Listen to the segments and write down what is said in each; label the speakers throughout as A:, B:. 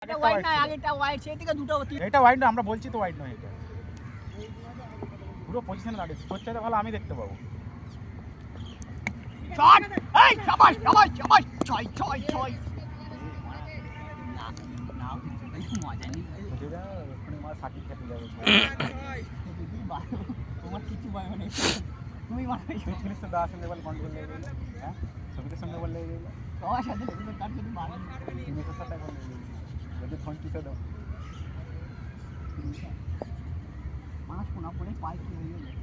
A: এটা ওয়াইড না, আগেটা ওয়াইড, সেদিকে দুটো
B: এটা ওয়াইড না, আমরা বলছি তো ওয়াইড নয় এটা। পুরো পজিশনে দাঁড়িয়েছে, তোর চাইতে ভালো আমি দেখতে পাবো।
A: শট, এই শাবাশ শাবাশ শাবাশ, ছয় ছয় ছয়। না না, মজা নেই
B: বুঝে যা, ওখানে মার সাকিব খেতে যাবে।
A: তোমার কিছু ভয় নেই, তুমি মারবে।
B: ছবির সাথে আসলে লেভেল কন্ট্রোল লেগে গেল, হ্যাঁ ছবির সঙ্গে বললে লেগে গেল,
A: সবার সাথে লেগে তার যদি মারবে
B: তুমি তো সাথে বললে লেগে গেল, যদি ফোন কিসে দাও
A: মাছ কোনা পড়ে পাই কি হয়ে গেল।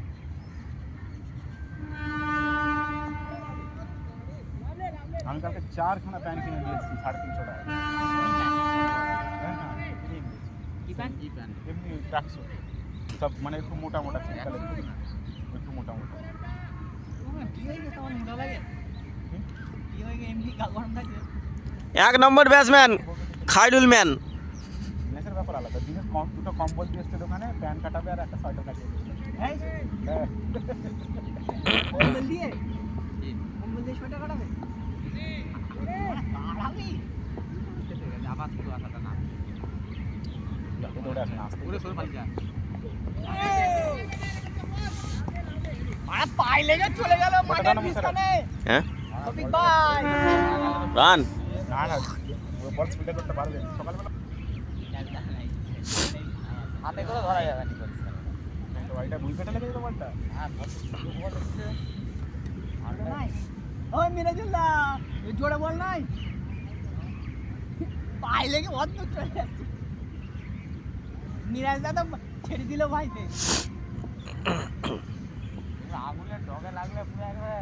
B: আমি কালকে 4খানা প্যান্ট কিনে দিয়েছি 350 টাকা। হ্যাঁ হ্যাঁ কিনে দিয়েছি।
A: কি প্যান্ট? কি প্যান্ট?
B: এমনি ট্র্যাকস্যুট সব, মানে একটু মোটা মোটা সিম্পলের জন্য, একটু মোটা মোটা।
A: কি হয়ে গেছে আমার মোটা লাগে? কি হয়ে গেছে এমনি গরম থাকে?
C: 1 নম্বর ব্যাটসম্যান খায়রুল ম্যান।
B: নেসের ব্যাপার আলাদা, দিনে দুটো কম্বল দিয়ে এসছে দোকানে, প্যান্ট কাটাবে আর একটা সোয়েটার কাটিয়ে দেবে।
A: হ্যাঁ কম্বল দিয়ে, কম্বল দিয়ে সোয়েটার কাটাবে? কাটাবি আবার শুরু আসাটা না,
B: দৌড়ে আসে না, আসতে
A: পুরো সরে পালিয়ে যা। মারা পাই লেগে চলে গেল মাঠের পিছনে।
C: হ্যাঁ
A: শফিক ভাই
C: রান।
B: না না বল স্পিডে করতে পারবে সকালবেলা,
A: হাতে করে ধরা যাবে না।
B: তো এটা ভুল কেটে লেগে যেত বলটা।
A: হ্যাঁ নাই, ওই মিরাজুল্লাহ জোরে বল নাই, পাই লেগে অত চলে যাচ্ছে। মিরাজ দাদা ছেড়ে দিল ভাইতে, আঙুলের ডগে লাগলে পুরো একবারে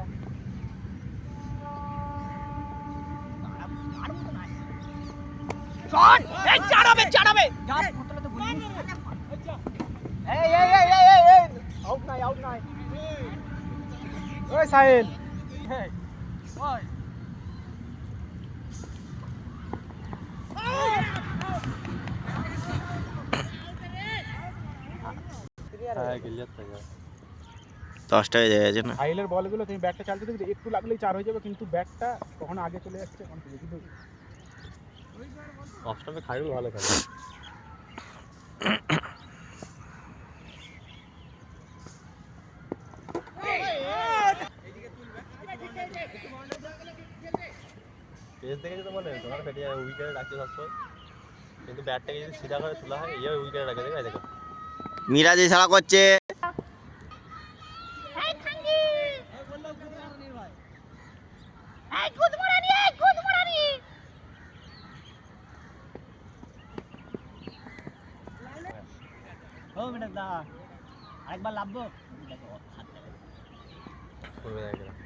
A: শট, এই চাড়াবে চাড়াবে যা বোতলে তো গুলি। এই এই এই এই এই এই আউট নাই, আউট নাই।
B: ওই সাহিল,
A: ওই
C: হ্যাঁ গেল যাচ্ছে 10টা হয়ে যাচ্ছে না।
B: সাহিলের বলগুলো তুমি ব্যাটটা চালতে দেখবে একটু লাগলেই 4 হয়ে যাবে, কিন্তু ব্যাটটা কখনো আগে চলে যাচ্ছে কখনো পিছে, কিন্তু
C: অফ স্টাম্পে খায়রুল ভালো খেলে। পেস দেখে যেতে বলে তোমার ফেটে যাবে, উইকেটে রাখছে সবসময়, কিন্তু ব্যাটটাকে যদি সিধা করে তোলা হয় এই উইকেটে রাখে, দেখবে দেখো মিরাজ ইশারা করছে।
A: ও বেটা দা আরেকবার লাভবো, দেখো
C: করবে দেখো